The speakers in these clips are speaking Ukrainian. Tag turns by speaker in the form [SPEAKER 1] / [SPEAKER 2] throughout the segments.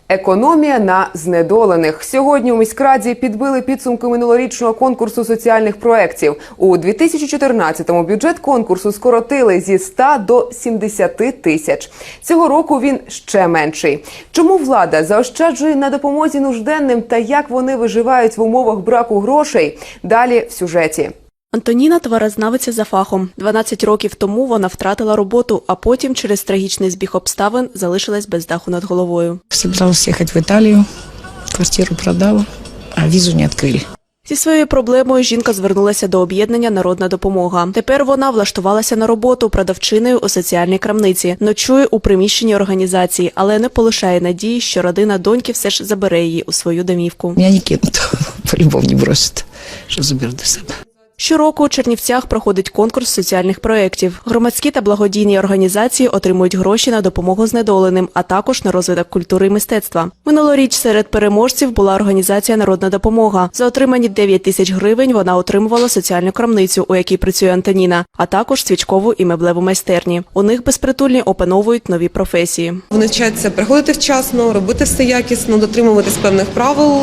[SPEAKER 1] Економія на знедолених. Сьогодні у міськраді підбили підсумки минулорічного конкурсу соціальних проєктів. У 2014-му бюджет конкурсу скоротили зі 100 до 70 тисяч. Цього року він ще менший. Чому влада заощаджує на допомозі нужденним та як вони виживають в умовах браку грошей? Далі в сюжеті.
[SPEAKER 2] Антоніна – тварознавиця за фахом. 12 років тому вона втратила роботу, а потім через трагічний збіг обставин залишилась без даху над головою.
[SPEAKER 3] Собиралась їхати в Італію, квартиру продала, а візу не відкрили.
[SPEAKER 2] Зі своєю проблемою жінка звернулася до об'єднання «Народна допомога». Тепер вона влаштувалася на роботу продавчиною у соціальній крамниці. Ночує у приміщенні організації, але не полишає надії, що родина доньки все ж забере її у свою домівку.
[SPEAKER 3] Мене не кинуть, по-любому не бросять, що заберу до себе.
[SPEAKER 2] Щороку у Чернівцях проходить конкурс соціальних проєктів. Громадські та благодійні організації отримують гроші на допомогу знедоленим, а також на розвиток культури і мистецтва. Минулоріч серед переможців була організація «Народна допомога». За отримані 9 тисяч гривень вона отримувала соціальну крамницю, у якій працює Антоніна, а також свічкову і меблеву майстерні. У них безпритульні опановують нові професії.
[SPEAKER 4] Вони вчаться приходити вчасно, робити все якісно, дотримуватись певних правил,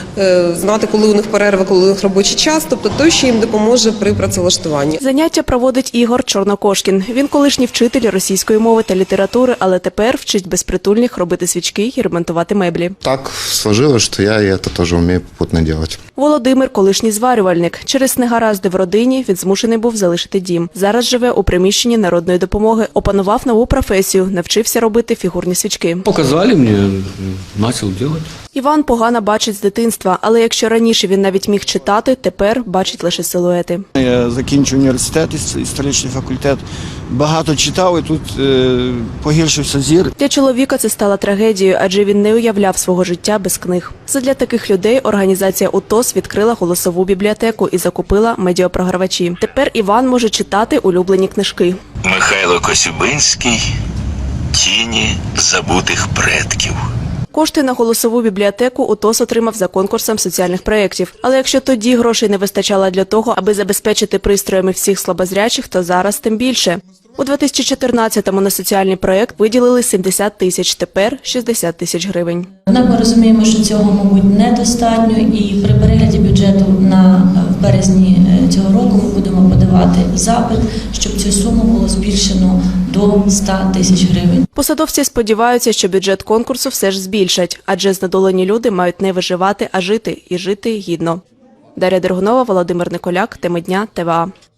[SPEAKER 4] знати, коли у них перерва, коли у них робочий час, тобто той, що їм допоможе при працевлаштуванні.
[SPEAKER 2] Заняття проводить Ігор Чорнокошкін. Він колишній вчитель російської мови та літератури, але тепер вчить безпритульних робити свічки і ремонтувати меблі.
[SPEAKER 5] Так сложилось, що я це теж вмію попутно робити.
[SPEAKER 2] Володимир – колишній зварювальник. Через негаразди в родині він змушений був залишити дім. Зараз живе у приміщенні народної допомоги. Опанував нову професію, навчився робити фігурні свічки.
[SPEAKER 6] Показали мені, почав робити.
[SPEAKER 2] Іван погано бачить з дитинства, але якщо раніше він навіть міг читати, тепер бачить лише силуети.
[SPEAKER 7] Я закінчив університет, історичний факультет, багато читав і тут погіршився зір.
[SPEAKER 2] Для чоловіка це стало трагедією, адже він не уявляв свого життя без книг. Задля таких людей організація УТОС відкрила голосову бібліотеку і закупила медіапрогравачі. Тепер Іван може читати улюблені книжки.
[SPEAKER 8] Михайло Косюбинський «Тіні забутих предків».
[SPEAKER 2] Кошти на голосову бібліотеку УТОС отримав за конкурсом соціальних проєктів. Але якщо тоді грошей не вистачало для того, аби забезпечити пристроями всіх слабозрячих, то зараз тим більше. У 2014-му на соціальний проєкт виділили 70 тисяч, тепер 60 тисяч гривень.
[SPEAKER 9] Однак ми розуміємо, що цього, мабуть, недостатньо, і при перегляді бюджету в березні цього року ми будемо подавати запит, щоб цю суму було збільшено до 100 тисяч гривень.
[SPEAKER 2] Посадовці сподіваються, що бюджет конкурсу все ж збільшать, адже знедолені люди мають не виживати, а жити, і жити гідно. Дар'я Дергунова, Володимир Николяк, Теми дня, ТВА.